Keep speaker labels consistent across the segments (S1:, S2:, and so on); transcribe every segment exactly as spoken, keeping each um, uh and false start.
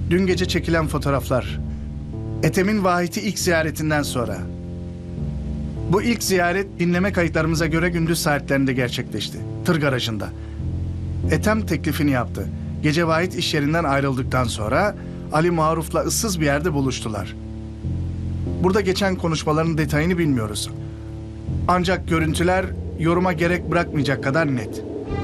S1: Dün gece çekilen fotoğraflar. Ethem'in Vahit'i ilk ziyaretinden sonra. Bu ilk ziyaret dinleme kayıtlarımıza göre gündüz saatlerinde gerçekleşti. Tır garajında. Ethem teklifini yaptı. Gece Vahit iş yerinden ayrıldıktan sonra Ali Maruf'la ıssız bir yerde buluştular. Burada geçen konuşmaların detayını bilmiyoruz. Ancak görüntüler yoruma gerek bırakmayacak kadar net.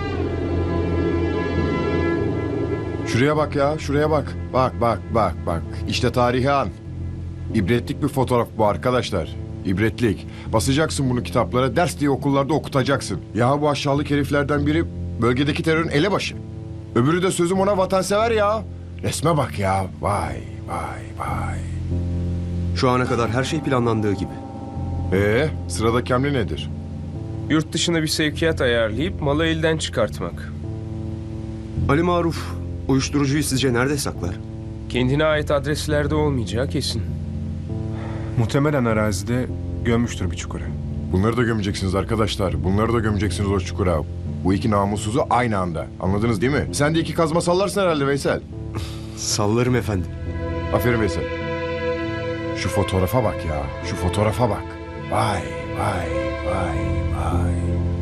S2: Şuraya bak ya, şuraya bak. Bak, bak, bak, bak. İşte tarihi an. İbretlik bir fotoğraf bu arkadaşlar. İbretlik. Basacaksın bunu kitaplara, ders diye okullarda okutacaksın. Ya bu aşağılık heriflerden biri bölgedeki terörün elebaşı. Öbürü de sözüm ona vatansever ya. Resme bak ya. Vay, vay, vay.
S3: Şu ana kadar her şey planlandığı gibi.
S2: Ee, sıradaki hamle nedir?
S4: Yurt dışına bir sevkiyat ayarlayıp malı elden çıkartmak.
S3: Ali Maruf uyuşturucuyu sizce nerede saklar?
S4: Kendine ait adreslerde olmayacağı kesin.
S5: Muhtemelen arazide gömmüştür bir çukura.
S2: Bunları da gömeceksiniz arkadaşlar. Bunları da gömeceksiniz o çukura. Bu iki namussuzu aynı anda. Anladınız değil mi? Sen de iki kazma sallarsın herhalde Veysel.
S3: Sallarım efendim.
S2: Aferin Veysel. Şu fotoğrafa bak ya. Şu fotoğrafa bak. Vay, vay, vay, vay.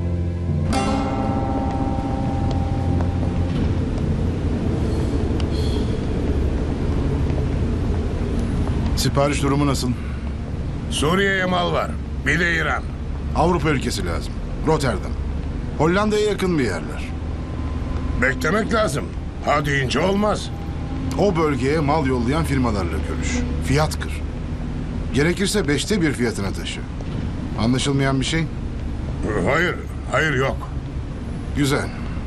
S6: Sipariş durumu nasıl?
S7: Suriye'ye mal var. Bir de İran.
S6: Avrupa ülkesi lazım. Rotterdam. Hollanda'ya yakın bir yerler.
S7: Beklemek lazım. Ha deyince olmaz.
S6: O bölgeye mal yollayan firmalarla görüş. Fiyat kır. Gerekirse beşte bir fiyatına taşı. Anlaşılmayan bir şey?
S7: Hayır, hayır yok.
S6: Güzel.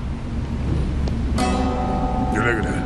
S7: Güle güle.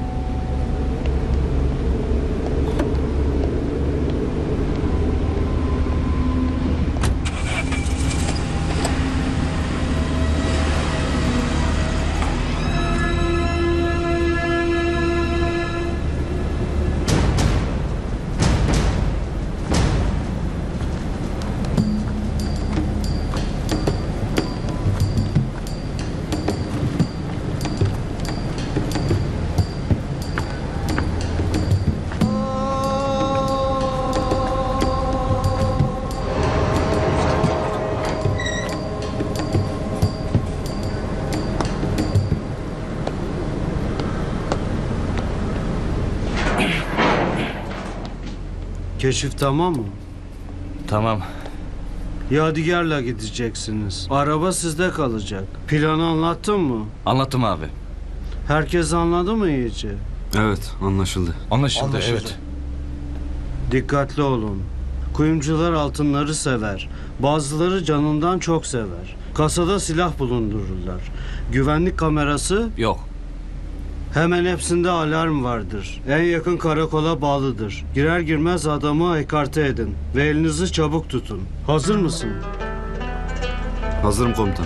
S8: Keşif tamam mı?
S9: Tamam.
S8: Yadigar'la gideceksiniz. Araba sizde kalacak. Planı anlattın mı?
S9: Anlattım abi.
S8: Herkes anladı mı iyice?
S3: Evet, anlaşıldı.
S9: Anlaşıldı, evet.
S8: Dikkatli olun. Kuyumcular altınları sever. Bazıları canından çok sever. Kasada silah bulundururlar. Güvenlik kamerası
S9: Yok.
S8: hemen hepsinde alarm vardır. En yakın karakola bağlıdır. Girer girmez adamı ekarte edin. Ve elinizi çabuk tutun. Hazır mısın?
S3: Hazırım komutan.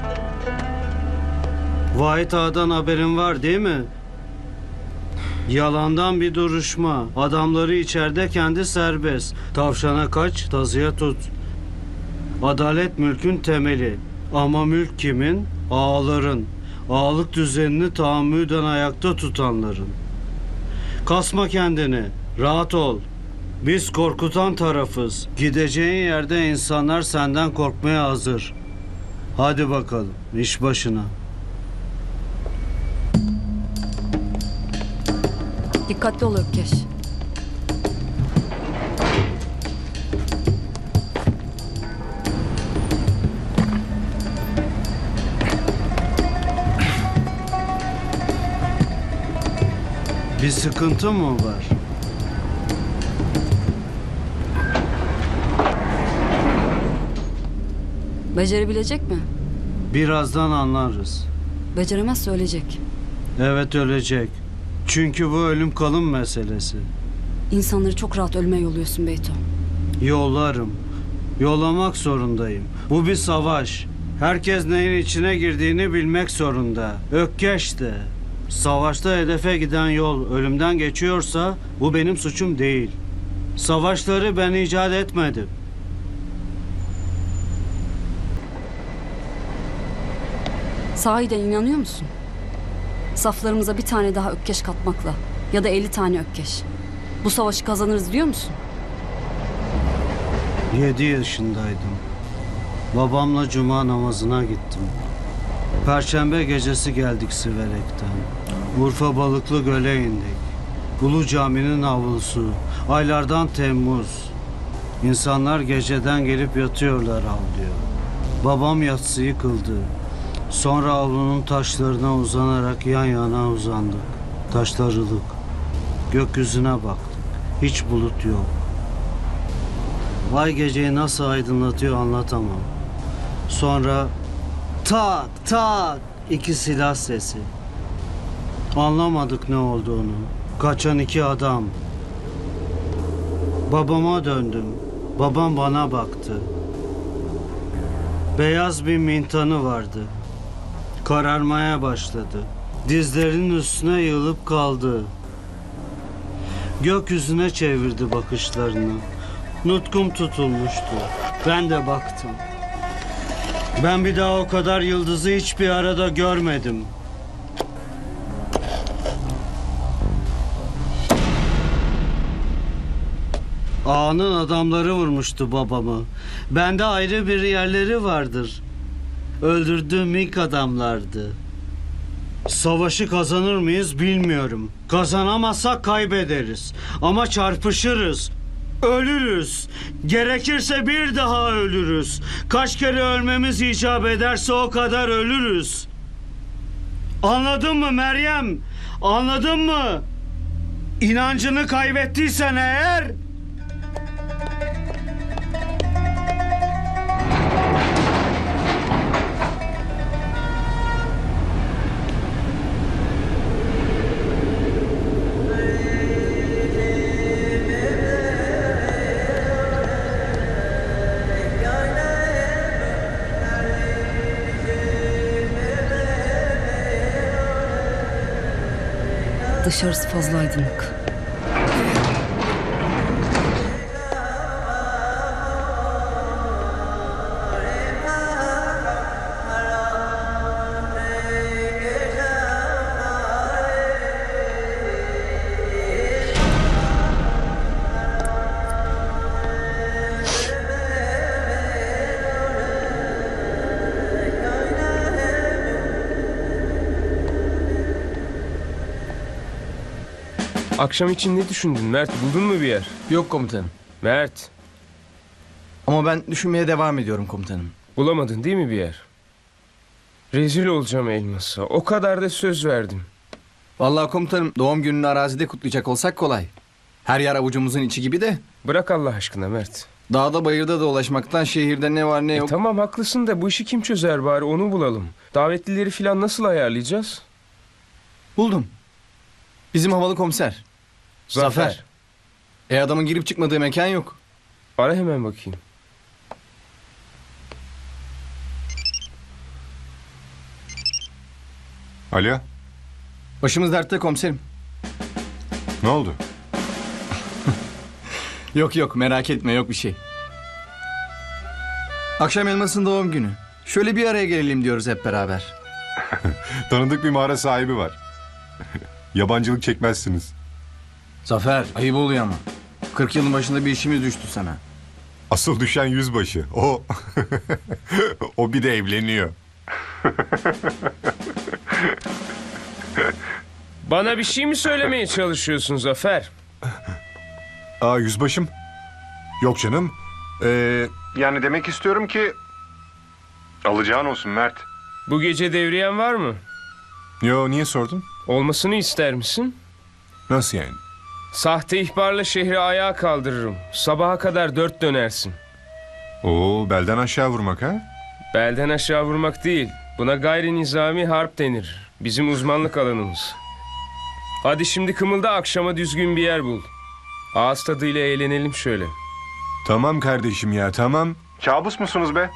S8: Vahit Ağa'dan haberin var değil mi? Yalandan bir duruşma. Adamları içeride, kendi serbest. Tavşana kaç, tazıya tut. Adalet mülkün temeli. Ama mülk kimin? Ağaların. Ağalık düzenini tahammüden ayakta tutanların. Kasma kendini. Rahat ol. Biz korkutan tarafız. Gideceğin yerde insanlar senden korkmaya hazır. Hadi bakalım, iş başına.
S10: Dikkatli ol Ökkeş.
S8: Bir sıkıntı mı var?
S10: Becerebilecek mi?
S8: Birazdan anlarız.
S10: Beceremezse ölecek.
S8: Evet, ölecek. Çünkü bu ölüm kalım meselesi.
S10: İnsanları çok rahat ölmeye yolluyorsun Beyto.
S8: Yollarım. Yollamak zorundayım. Bu bir savaş. Herkes neyin içine girdiğini bilmek zorunda. Ökkeş de. Savaşta hedefe giden yol ölümden geçiyorsa bu benim suçum değil. Savaşları ben icat etmedim.
S10: Sahiden inanıyor musun? Saflarımıza bir tane daha Ökkeş katmakla Ya da elli tane Ökkeş. Bu savaşı kazanırız diyor musun?
S8: Yedi yaşındaydım. Babamla cuma namazına gittim. Perşembe gecesi geldik Siverek'ten. Urfa Balıklı Göl'e indik. Ulu Cami'nin avlusu. Aylardan Temmuz. İnsanlar geceden gelip yatıyorlar avluya. Babam yatsıyı kıldı. Sonra avlunun taşlarına uzanarak yan yana uzandık. Taşlar ılık. Gökyüzüne baktık. Hiç bulut yok. Vay geceyi nasıl aydınlatıyor anlatamam. Sonra tak tak iki silah sesi. Anlamadık ne olduğunu. Kaçan iki adam. Babama döndüm. Babam bana baktı. Beyaz bir mintanı vardı. Kararmaya başladı. Dizlerinin üstüne yığılıp kaldı. Gökyüzüne çevirdi bakışlarını. Nutkum tutulmuştu. Ben de baktım. Ben bir daha o kadar yıldızı hiçbir arada görmedim. Ağanın adamları vurmuştu babamı. Bende ayrı bir yerleri vardır. Öldürdüğüm ilk adamlardı. Savaşı kazanır mıyız bilmiyorum. Kazanamazsak kaybederiz. Ama çarpışırız. Ölürüz. Gerekirse bir daha ölürüz. Kaç kere ölmemiz icap ederse o kadar ölürüz. Anladın mı Meryem? Anladın mı? İnancını kaybettiysen eğer...
S10: Dışarısı fazla aydınlık.
S4: Akşam için ne düşündün Mert? Buldun mu bir yer?
S9: Yok komutanım.
S4: Mert,
S9: Ama ben düşünmeye devam ediyorum komutanım.
S4: bulamadın değil mi bir yer? Rezil olacağım Elmas'a. O kadar da söz verdim.
S9: Vallahi komutanım doğum gününü arazide kutlayacak olsak kolay. Her yer avucumuzun içi gibi de.
S4: Bırak Allah aşkına Mert.
S9: Dağda bayırda dolaşmaktan şehirde ne var ne
S4: E
S9: yok.
S4: tamam haklısın da bu işi kim çözer bari onu bulalım. Davetlileri falan nasıl ayarlayacağız?
S9: Buldum. Bizim havalı komiser. Zafer. E adamın girip çıkmadığı mekan yok.
S4: Ara hemen bakayım.
S5: Alo,
S9: Başımız dertte komiserim.
S5: ne oldu?
S9: Yok yok merak etme yok bir şey. Akşam Elmas'ın doğum günü. Şöyle bir araya gelelim diyoruz hep beraber.
S5: Tanıdık bir mağara sahibi var. Yabancılık çekmezsiniz.
S9: Zafer ayıp oluyor ama. kırk yılın başında bir işimiz düştü sana.
S5: Asıl düşen yüzbaşı. O. O bir de evleniyor.
S4: Bana bir şey mi söylemeye çalışıyorsun Zafer?
S5: Aa yüzbaşım. Yok canım. Ee, yani demek istiyorum ki... Alacağın olsun Mert.
S4: Bu gece devriyen var mı?
S5: Yo niye sordun?
S4: Olmasını ister misin?
S5: Nasıl yani?
S4: Sahte ihbarla şehri ayağa kaldırırım. Sabaha kadar dört dönersin.
S5: Oo belden aşağı vurmak ha?
S4: Belden aşağı vurmak değil. Buna gayri nizami harp denir. Bizim uzmanlık alanımız. Hadi şimdi kımılda akşama düzgün bir yer bul. Ağız tadıyla eğlenelim şöyle.
S5: Tamam kardeşim ya tamam. Kabus musunuz be?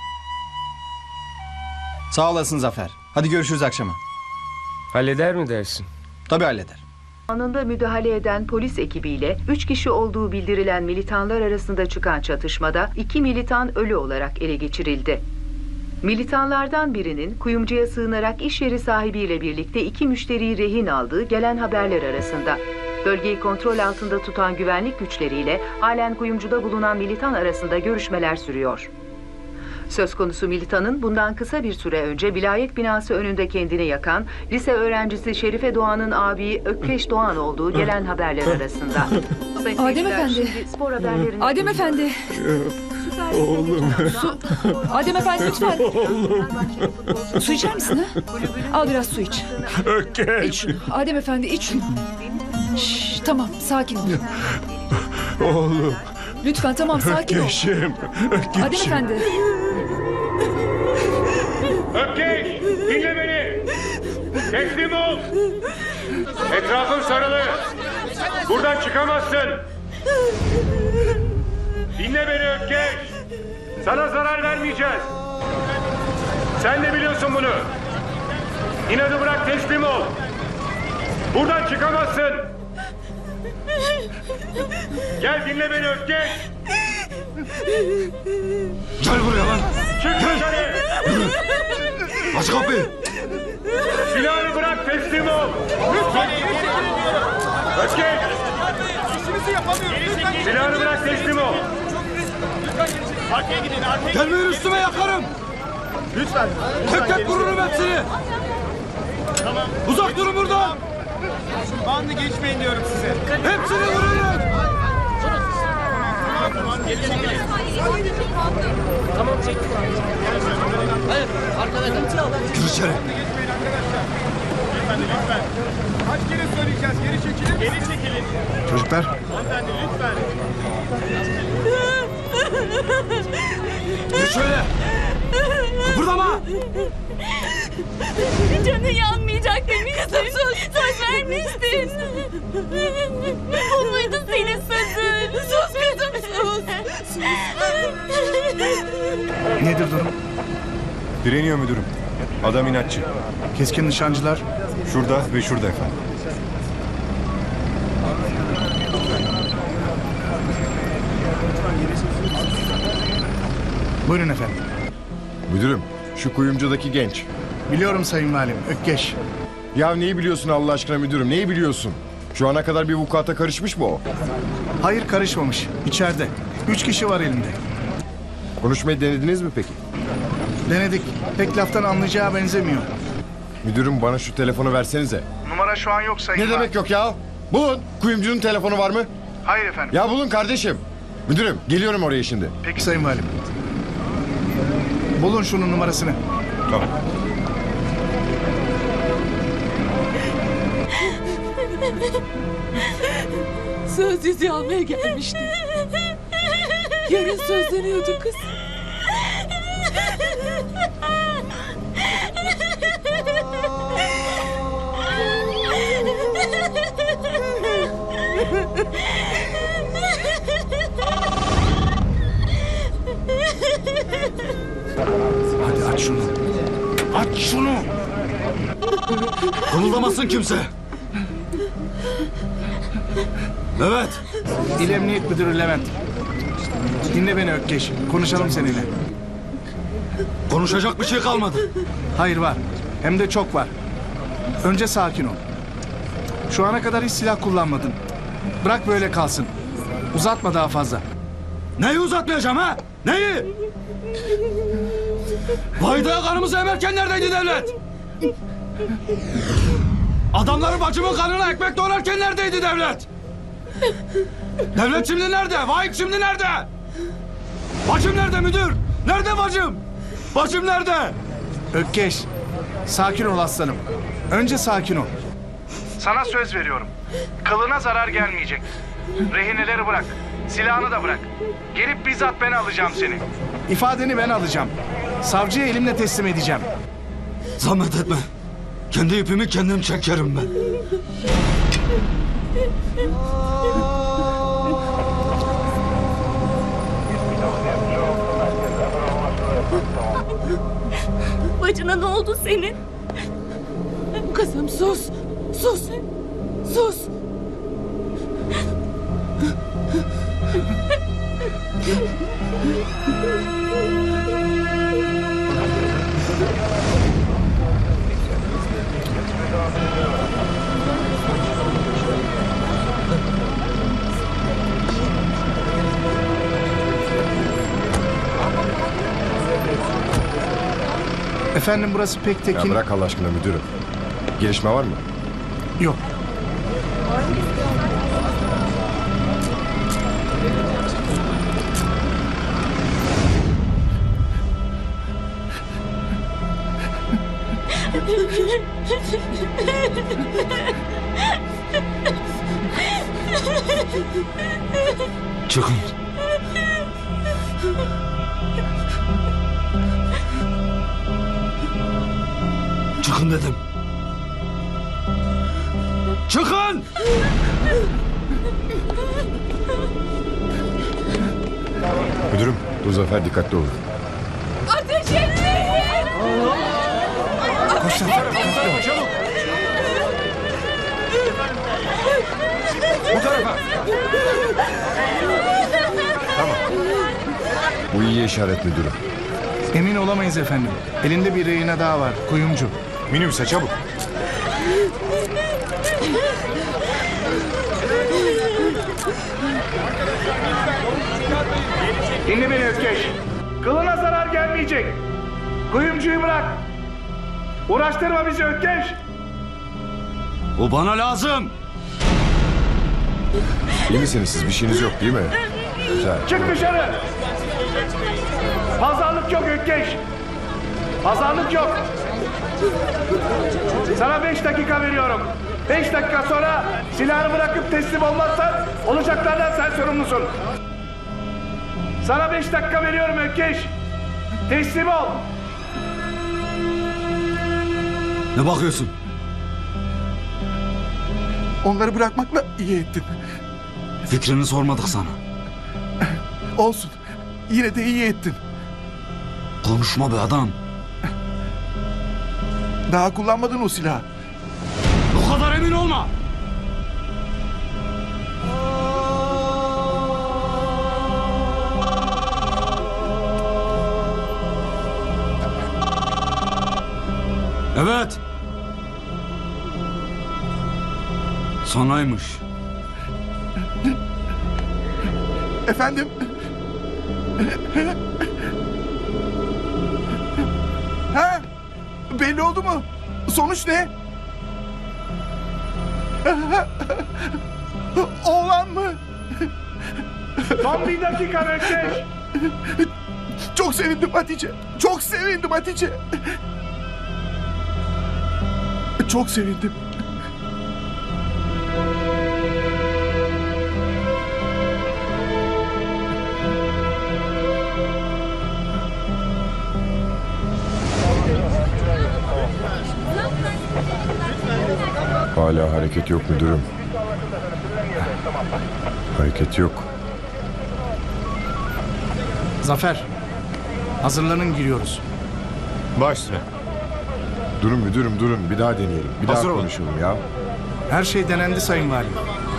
S9: Sağ olasın Zafer. Hadi görüşürüz akşama.
S4: Halleder mi dersin?
S9: Tabii halleder.
S11: Anında müdahale eden polis ekibiyle üç kişi olduğu bildirilen militanlar arasında çıkan çatışmada iki militan ölü olarak ele geçirildi. Militanlardan birinin kuyumcuya sığınarak iş yeri sahibiyle birlikte iki müşteriyi rehin aldığı gelen haberler arasında. Bölgeyi kontrol altında tutan güvenlik güçleriyle halen kuyumcuda bulunan militan arasında görüşmeler sürüyor. Söz konusu militanın bundan kısa bir süre önce vilayet binası önünde kendini yakan lise öğrencisi Şerife Doğan'ın abi Ökkeş Doğan olduğu gelen haberler arasında. Sayın
S10: Adem
S11: seyirciler,
S10: Efendi.
S11: şimdi Spor haberlerine
S10: Adem Efendi.
S11: Oğlum.
S10: Adem Efendi lütfen. Su içer misin ha? Al biraz su iç. İç şunu. Adem Efendi iç şunu. Şşş, tamam sakin ol.
S7: Oğlum.
S10: Lütfen tamam sakin ol.
S7: Ökkeşim. Ökkeşim.
S10: Adem Efendi.
S4: Ökkeş! Dinle beni! Teslim ol! Etrafın sarılı! Buradan çıkamazsın! Dinle beni Ökkeş! Sana zarar vermeyeceğiz! Sen de biliyorsun bunu! İnadı bırak, teslim ol! Buradan çıkamazsın! Gel dinle beni Ökkeş!
S3: Gel buraya lan.
S4: Çık dışarı!
S3: Aç kapıyı.
S4: Silahını bırak, teslim ol! Ökkeş! Silahını bırak, teslim ol!
S3: Gelmeyin üstüme yakarım. Lütfen. Tek tek vururum hepsini. Tamam. Uzak durun buradan.
S12: Bandı geçmeyin diyorum size.
S3: Hepsini vururum.
S12: Tamam, geri çekilin. Tamam, çektim. Hayır, arkada kal.
S3: Gir içeri.
S12: Lütfen, lütfen. Kaç kere söyleyeceğiz? Geri çekilin. Geri çekilin.
S1: Çocuklar,
S12: Hanımefendi, lütfen.
S3: Gir şöyle. Kıpırdama.
S10: Canın yanmayacak demiştin. Kızım sus. Söz vermiştin. Bu muydu senin sözün? Sus kızım sus.
S1: nedir durum?
S5: Direniyor müdürüm. Adam inatçı.
S1: Keskin nişancılar
S5: Şurada ve şurada efendim.
S1: buyurun efendim.
S2: Müdürüm, şu kuyumcudaki genç.
S1: Biliyorum Sayın Valim, Ökkeş.
S2: Ya neyi biliyorsun Allah aşkına müdürüm, neyi biliyorsun? Şu ana kadar bir vukuata karışmış mı o?
S1: Hayır, karışmamış. İçeride. Üç kişi var elinde.
S2: Konuşmayı denediniz mi peki?
S1: Denedik. Pek laftan anlayacağı benzemiyor.
S2: Müdürüm bana şu telefonu versenize.
S1: Numara şu an yok Sayın
S2: Ne demek yok ya? Bulun. Kuyumcunun telefonu var mı?
S1: Hayır efendim.
S2: Ya bulun kardeşim. Müdürüm geliyorum oraya şimdi.
S1: Peki Sayın Valim. Bulun şunun numarasını.
S5: Tamam.
S10: Söz yüzüğü almaya gelmişti. Yarın sözleniyordu kız.
S1: Hadi aç şunu. Aç şunu.
S3: Kımıldamasın kimse. Evet.
S1: İl Emniyet Müdürü Levent. Dinle beni Ökkeş. Konuşalım seninle.
S3: Konuşacak bir şey kalmadı.
S1: Hayır var. Hem de çok var. Önce sakin ol. Şu ana kadar hiç silah kullanmadın. Bırak böyle kalsın. Uzatma daha fazla.
S3: Neyi uzatmayacağım ha? Neyi? Vahide karımızı emerken neredeydi devlet? Adamları bacımın kanına ekmek doğrarken neredeydi devlet? Devlet şimdi nerede? Vahit şimdi nerede? Bacım nerede müdür? Nerede bacım? Bacım nerede?
S1: Ökkeş. Sakin ol aslanım. Önce sakin ol. Sana söz veriyorum. Kılına zarar gelmeyecek. Rehineleri bırak. Silahını da bırak. Gelip bizzat ben alacağım seni. İfadeni ben alacağım. Savcıya elimle teslim edeceğim.
S3: Zahmet etme. Kendi ipimi kendim çekerim ben.
S10: Bacına ne oldu senin? Kızım sus. Sus. Sus.
S1: Efendim burası pek
S2: Ya
S1: tekin...
S2: bırak Allah aşkına müdürüm. Gelişme var mı?
S1: Yok.
S3: Çıkın. Çıkın dedim. Çıkın!
S2: Müdürüm, dur Zafer dikkatli olun.
S10: Ateş etmeyin!
S1: Koş Zafer. dikkatli ol.
S3: Çabuk! Bu tarafa!
S2: Bu iyi işaret müdürüm.
S1: Emin olamayız efendim. Elinde bir rehine daha var. Kuyumcu.
S5: Minibüse çabuk.
S1: Dinle beni Ökkeş. Kılına zarar gelmeyecek. Kuyumcuyu bırak. Uğraştırma bizi Ökkeş.
S3: O bana lazım.
S2: İyi misiniz siz? Bir şeyiniz yok değil mi? Güzel.
S1: Çık dışarı. Pazarlık yok Ökkeş. Pazarlık yok. Sana beş dakika veriyorum. Beş dakika sonra silahını bırakıp teslim olmazsan olacaklardan sen sorumlusun. Sana beş dakika veriyorum Ökkeş. Teslim ol.
S3: Ne bakıyorsun?
S6: Onları bırakmakla iyi ettin.
S3: Fikrini sormadık sana.
S6: Olsun. Yine de iyi ettin.
S3: Konuşma be adam.
S6: Daha kullanmadın o silahı.
S3: O kadar emin olma. Evet. Sonaymış.
S6: Efendim? Ha? Belli oldu mu? Sonuç ne? Oğlan mı?
S1: Son bir dakika Ökkeş.
S6: Çok sevindim Hatice. Çok sevindim Hatice. Çok sevindim.
S2: Hala hareket yok müdürüm. Hareket yok.
S1: Zafer. Hazırlanın giriyoruz.
S5: Baş üstüne.
S2: Durun müdürüm durun. Bir daha deneyelim. Bir
S5: Hazır
S2: daha
S5: olun.
S2: konuşalım ya.
S1: Her şey denendi Sayın Valim.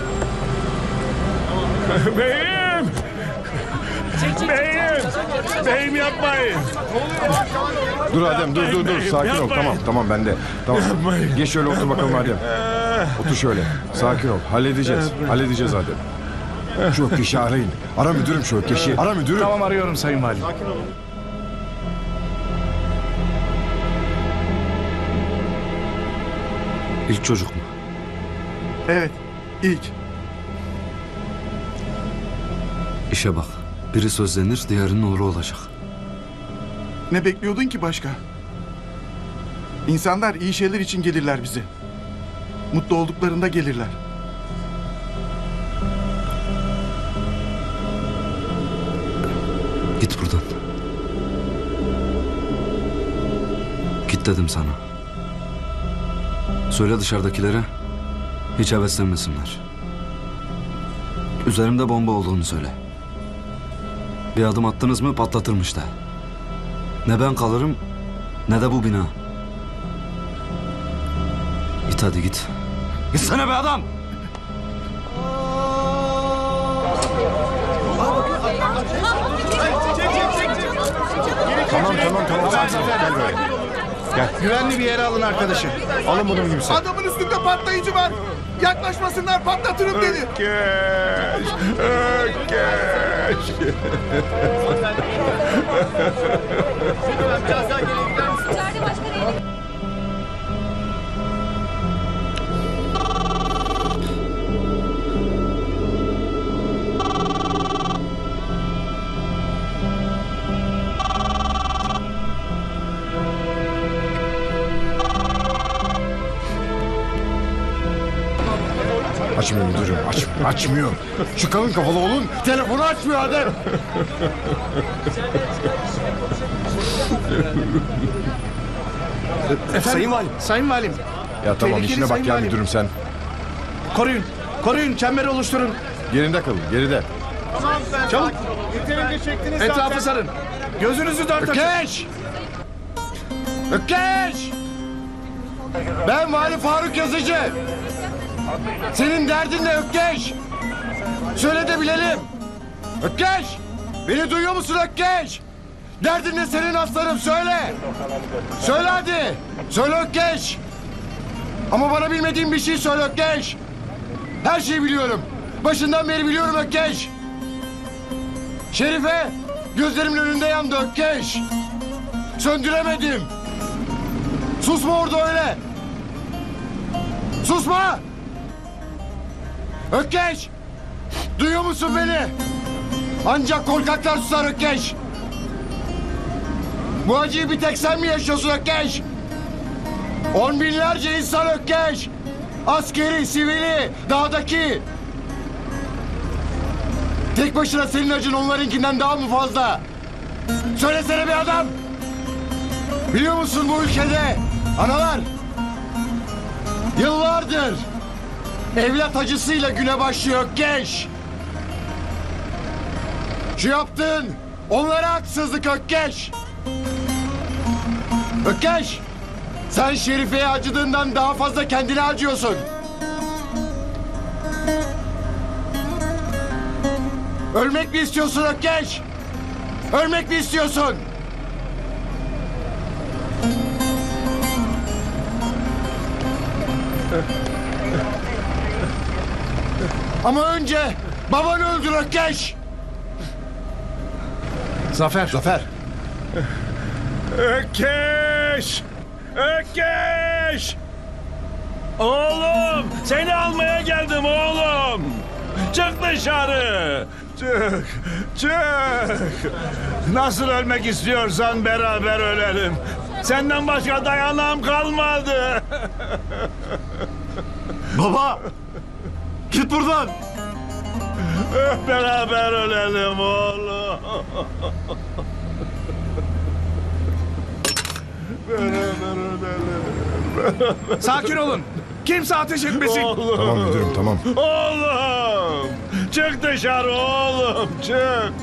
S7: Beyim! Beyim! Beyim yapmayın!
S2: Dur Adem dur dur dur. Sakin ol. Tamam tamam ben de. Tamam. Geç şöyle otur bakalım Adem. Otur şöyle. Sakin ol. Halledeceğiz. Halledeceğiz Adem. Şu Ökkeş'i arayın. Ara müdürüm şu Ökkeş'i. Ara müdürüm.
S1: Tamam arıyorum Sayın Valim.
S3: İlk çocuk mu?
S6: Evet. İlk.
S3: İşe bak. Biri sözlenir, diğerinin olur olacak.
S6: Ne bekliyordun ki başka? İnsanlar iyi şeyler için gelirler bize. Mutlu olduklarında gelirler.
S3: Git buradan. Git dedim sana. Söyle dışarıdakilere hiç heveslenmesinler. Üzerimde bomba olduğunu söyle. Bir adım attınız mı patlatırım işte. Ne ben kalırım ne de bu bina. Git hadi git. Gitsene be adam.
S2: Tamam tamam tamam. Sakin ol. Gel böyle.
S1: Güvenli bir yere alın arkadaşı.
S2: Alın bunu minibüse.
S6: Adamın üstünde patlayıcı var.
S7: Yaklaşmasınlar, patlatırım dedi. Ökkeş! Ökkeş!
S2: Açmıyor müdürüm. Aç, açmıyor. Şu kalın kafalı oğlun telefonu açmıyor Adem.
S1: Efendim,
S9: Sayın Valim.
S1: Sayın Valim.
S2: Ya tamam
S1: Tehlikeli
S2: işine bak
S1: Sayın
S2: ya
S1: Valim.
S2: müdürüm sen.
S1: Koruyun. Koruyun. Çemberi oluşturun.
S2: Geride kalın geride.
S1: Çabuk.
S12: Yeterince çektiniz
S1: Etrafı sarın. Gözünüzü dört açın.
S2: Ökkeş! Ökkeş! Ben Vali Faruk Yazıcı. Senin derdin ne Ökkeş? Söyle de bilelim. Ökkeş! Beni duyuyor musun Ökkeş? Derdin ne senin aslanım söyle. Söyle hadi. Söyle Ökkeş. Ama bana bilmediğin bir şey söyle Ökkeş. Her şeyi biliyorum. Başından beri biliyorum Ökkeş. Şerife gözlerimin önünde yandı Ökkeş. Söndüremedim. Susma orada öyle. Susma. Ökkeş. Duyuyor musun beni? Ancak korkaklar susar Ökkeş. Bu acıyı bir tek sen mi yaşıyorsun Ökkeş? On binlerce insan Ökkeş. Askeri, sivili, dağdaki. Tek başına senin acın onlarınkinden daha mı fazla? Söylesene bir adam. Biliyor musun bu ülkede analar yıllardır evlat acısıyla güne başlıyor Ökkeş. Şu yaptığın onlara haksızlık Ökkeş. Ökkeş, sen Şerife'ye acıdığından daha fazla kendine acıyorsun. Ölmek mi istiyorsun Ökkeş? Ölmek mi istiyorsun? Ama önce babanı öldür Ökkeş.
S1: Zafer.
S2: Zafer.
S7: Ökkeş! Ökkeş! Oğlum! Seni almaya geldim oğlum! Çık dışarı! Çık! Çık! Nasıl ölmek istiyorsan beraber ölelim. Senden başka dayanağım kalmadı.
S3: Baba! Git buradan!
S7: Beraber ölelim oğlum. Beraber ölelim.
S1: Sakin olun. Kimse ateş etmesin.
S7: Oğlum.
S2: Tamam müdürüm tamam.
S7: Oğlum! Çık dışarı oğlum, çık!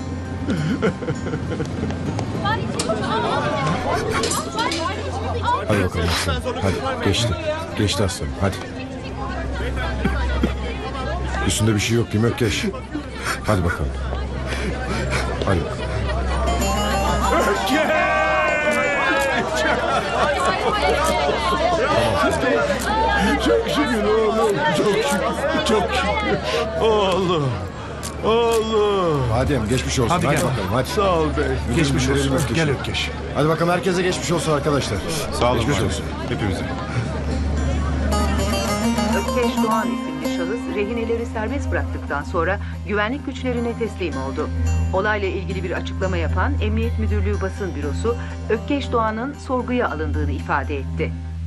S2: Hadi bakalım aslanım. Hadi geçti. Geçti aslanım hadi. Üstünde bir şey yok değil mi Ökkeş? Hadi bakalım. Hadi bakalım.
S7: Çok şükür oğlum, çok şükür, çok şükür. Oğlum, oğlum.
S2: Adem geçmiş olsun.
S1: Hadi
S2: Hadi,
S1: gel.
S2: bakalım hadi.
S7: Sağ ol bey.
S1: Geçmiş
S2: Verelim
S1: olsun.
S2: Ökkeş'i.
S1: Gel Ökkeş.
S2: Hadi bakalım herkese geçmiş olsun arkadaşlar.
S5: Sağ olun.
S2: Geçmiş
S5: Geçmiş
S2: olsun.
S5: Hepimize.
S11: Ökkeş Doğan isimli şahıs rehineleri serbest bıraktıktan sonra güvenlik güçlerine teslim oldu. Olayla ilgili bir açıklama yapan Emniyet Müdürlüğü Basın Bürosu Ökkeş Doğan'ın sorguya alındığını ifade etti.